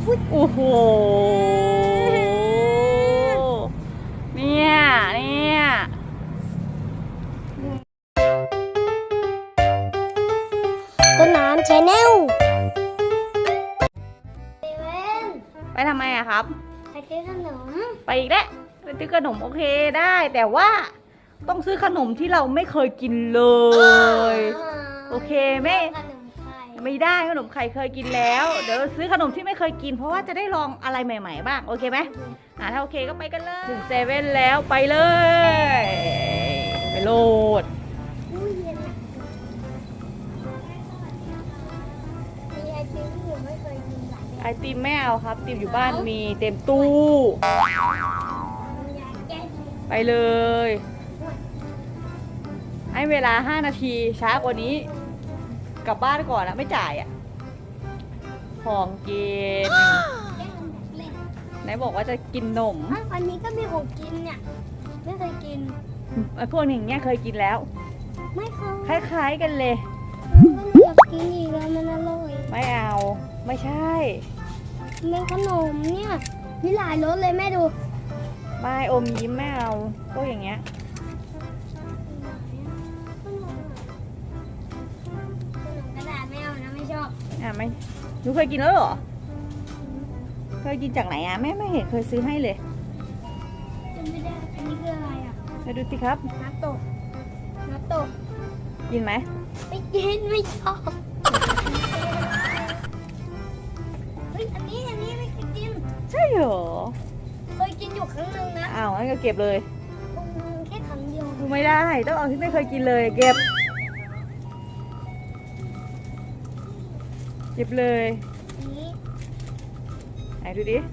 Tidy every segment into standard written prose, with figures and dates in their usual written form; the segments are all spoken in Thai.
โอ้โหเนี่ยต้นน้ำชาแนลไปทำไมอะครับไปซื้อขนมไปอีกแล้วไปซื้อขนมโอเคได้แต่ว่าต้องซื้อขนมที่เราไม่เคยกินเลยโอเคไม่ได้ขนมไข่เคยกินแล้วเดี๋ยวซื้อขนมที่ไม่เคยกินเพราะว่าจะได้ลองอะไรใหม่ๆบ้างโอเคไหมถ้าโอเคก็ไปกันเลยถึงเซเว่นแล้วไปเลยไปโหลดไอติมไม่เอาครับติมอยู่บ้านมีเต็มตู้ไปเลยให้เวลา5 นาทีช้ากว่านี้กลับบ้านก่อนนะไม่จ่ายอ่ะของกินไหนบอกว่าจะกินนมอันนี้ก็มีของกินเนี่ยไม่เคยกินพวกนี้อย่างเงี้ยเคยกินแล้วไม่เคยคล้ายๆกันเลยอยากกินอีกแล้วมันอร่อยไม่เอาไม่ใช่เป็นขนมเนี่ยมีหลายรสเลยแม่ดูไม่อมยิ้มไม่เอาพวกอย่างเงี้ยกระดาษไม่เอานะไม่ชอบไม่หนูเคยกินแล้วเหรอเคยกินจากไหนแม่ไม่เห็นเคยซื้อให้เลยจำไม่ได้อันนี้คืออะไรมาดูสิครับนัตโตะกินไหมไม่กินไม่ชอบเฮ้ยอันนี้ไม่เคยกินใช่เหรอเคยกินอยู่ครั้งนึงนะงั้นก็เก็บเลยแค่ครั้งเดียวดูไม่ได้ต้องเอาที่ไม่เคยกินเลยเก็บเลยไหนดูดิ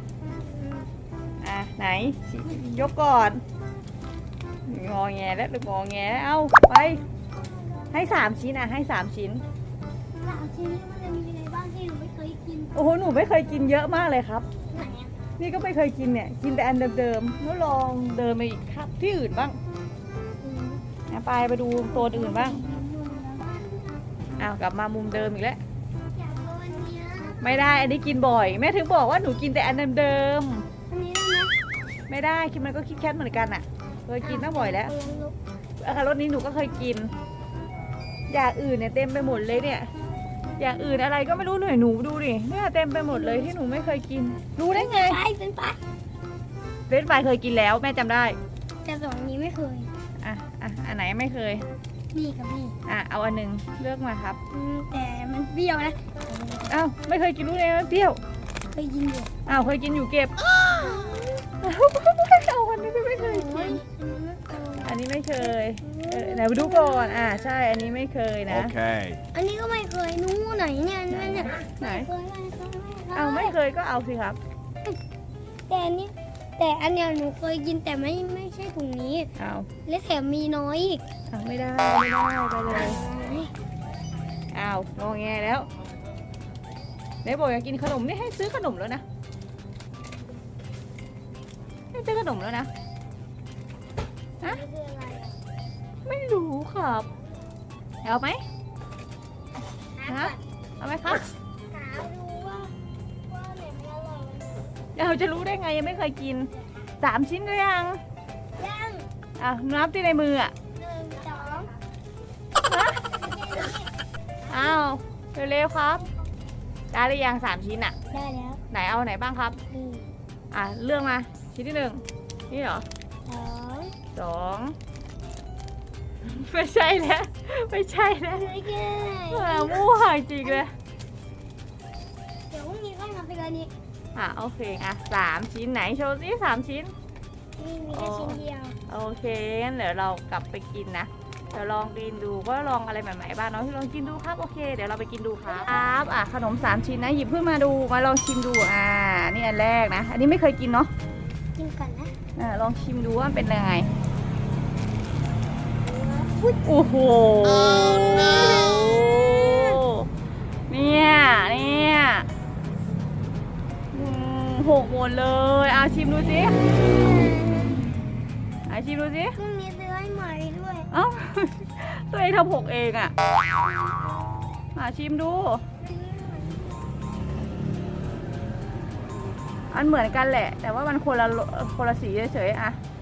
ไหนยกก่อนงอแงแล้วงอแงแล้วเอาไปให้3 ชิ้นให้3 ชิ้น 3 ชิ้นมันจะมีอะไรบ้างที่หนูไม่เคยกินโอ้โหหนูไม่เคยกินเยอะมากเลยครับไหนนี่ก็ไม่เคยกินเนี่ยกินแต่อันเดิมๆแล้วลองเดินไปอีกครับที่อื่นบ้างไปดูโซนอื่นบ้างกลับมามุมเดิมอีกแล้วไม่ได้อันนี้กินบ่อยแม่ถึงบอกว่าหนูกินแต่อันเดิมอันนี้ได้ไหมไม่ได้คิดมันก็คิดแค่เหมือนกันเคยกินตั้งบ่อยแล้วรสนี้หนูก็เคยกินอย่างอื่นเนี่ยเต็มไปหมดเลยเนี่ยอย่างอื่นอะไรก็ไม่รู้หนูดูดิเนี่ยเต็มไปหมดเลยที่หนูไม่เคยกินรู้ได้ไงเป็นปลาเคยกินแล้วแม่จำได้แต่สองนี้ไม่เคยอันไหนไม่เคยนี่กับนี่เอาอันหนึ่งเลือกมาครับแต่มันเปรี้ยวนะไม่เคยกินรู้เลยมันเปรี้ยวเคยกินอยู่เคยกินอยู่เก็บเอาอันนี้ไม่เคยกินอันนี้ไม่เคยไหนมาดูก่อนใช่อันนี้ไม่เคยนะอันนี้ก็ไม่เคยนู้ไหนเนี่ยไหนไม่เคยก็เอาสิครับแต่อันนี้หนูเคยกินแต่ไม่ใช่ถุงนี้และแถมมีน้อยอีกไม่ได้ไปเลยงอแงแล้วไหนบอกอยากกินขนมนี่ให้ซื้อขนมแล้วนะให้ซื้อขนมแล้วนะไม่รู้ครับเอาไหมเอาไหมครับเราจะรู้ได้ไงยังไม่เคยกิน3 ชิ้นหรือยังนับที่ในมือ 1 2เร็วๆครับได้หรือยัง3 ชิ้นได้แล้วไหนเอาไหนบ้างครับเลือกมาชิ้นที่1นี่เหรอ2ไม่ใช่แล้วมั่วจริงเลยเดี๋ยวพรุ่งนี้ค่อยมาเป็นอันนี้โอเค3 ชิ้นไหนโชว์ซิ3 ชิ้นมีแค่ชิ้นเดียวโอเคงั้นเดี๋ยวเรากลับไปกินนะเดี๋ยวลองกินดูว่าลองอะไรใหม่ๆบ้างเนาะที่ลองกินดูครับโอเคเดี๋ยวเราไปกินดูครับขนม3 ชิ้นนะหยิบขึ้นมาดูมาลองชิมดูนี่อันแรกนะอันนี้ไม่เคยกินเนาะกินก่อนนะลองชิมดูว่าเป็นยังไงโอ้โหเนี่ย6 หมดเลยชิมดูสิชิมดูสิพรุ่งนี้ซื้อให้ใหม่ด้วยตัวเองทำ6 เองชิมดูมันเหมือนกันแหละ แต่ว่ามันคนละสีเฉยๆอะ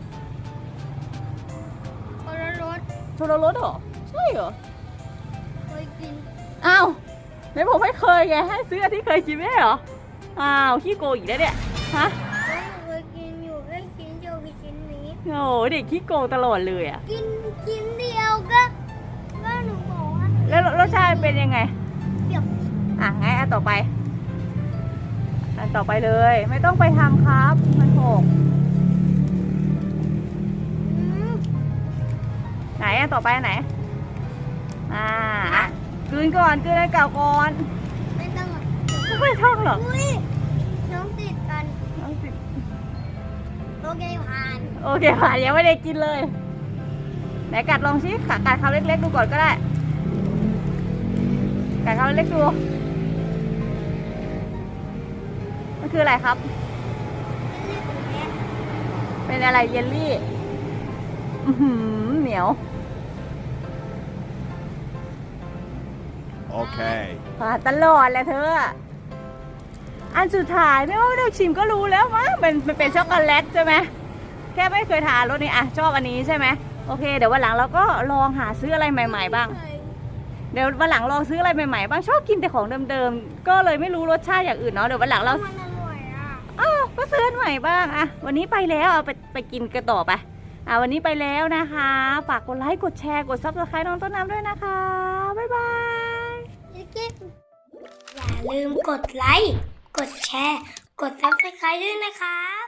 คนละรสคนละรสเหรอใช่เหรอเคยกินอ้าวไหนผมไม่เคยไงให้ซื้ออันที่เคยกินไม่ใช่เหรออ้าวขี้โกงอีกแล้วเนี่ยฮะแล้วหนูเคยกินอยู่แค่ชิ้นเดียวกับชิ้นนี้โอ้โหเด็กขี้โกงตลอดเลยอะกินชิ้นเดียวก็หนูบอกว่าแล้วรสชาติเป็นยังไงเปรี้ยวอ่ะงั้นอันต่อไปเลย ไม่ต้องไปทำครับมันหกอืมไหนอันต่อไปอันไหนอ่ะกลืนก่อนกลืนอันเก่าก่อนไม่ต้องอ่ะไม่ต้องหรอกอุ้ยน้องติดกันน้องสิโอเคผ่านโอเคผ่านยังไม่ได้กินเลยไหนกัดลองชิกัดคำเล็กๆดูก่อนก็ได้กัดคำเล็กๆดูมันคืออะไรครับ เป็นอะไรเยลลี่อื้อหือเหนียว Okay. ผ่านตลอดแหละเธอ อันสุดท้ายไม่ว่าเราชิมก็รู้แล้วมั้งมันเป็นช็อกโกแลตใช่ไหมแค่ไม่เคยทานรสนี้อ่ะชอบอันนี้ใช่ไหมโอเคเดี๋ยววันหลังเราก็ลองหาซื้ออะไรใหม่ๆบ้าง เดี๋ยววันหลังลองซื้ออะไรใหม่ๆบ้างชอบกินแต่ของเดิมๆก็เลยไม่รู้รสชาติอย่างอื่นเนาะเดี๋ยววันหลังเรามันอร่อยอ่ะอ้าวก็ซื้ออันใหม่บ้างอะวันนี้ไปแล้วเอาไปกินกันต่อไปวันนี้ไปแล้วนะคะฝากกดไลค์กดแชร์กดซับสไครต์น้องต้นน้ำด้วยนะคะบ๊ายบายอย่าลืมกดไลค์ กดแชร์ กดซับสไครต์ด้วยนะครับ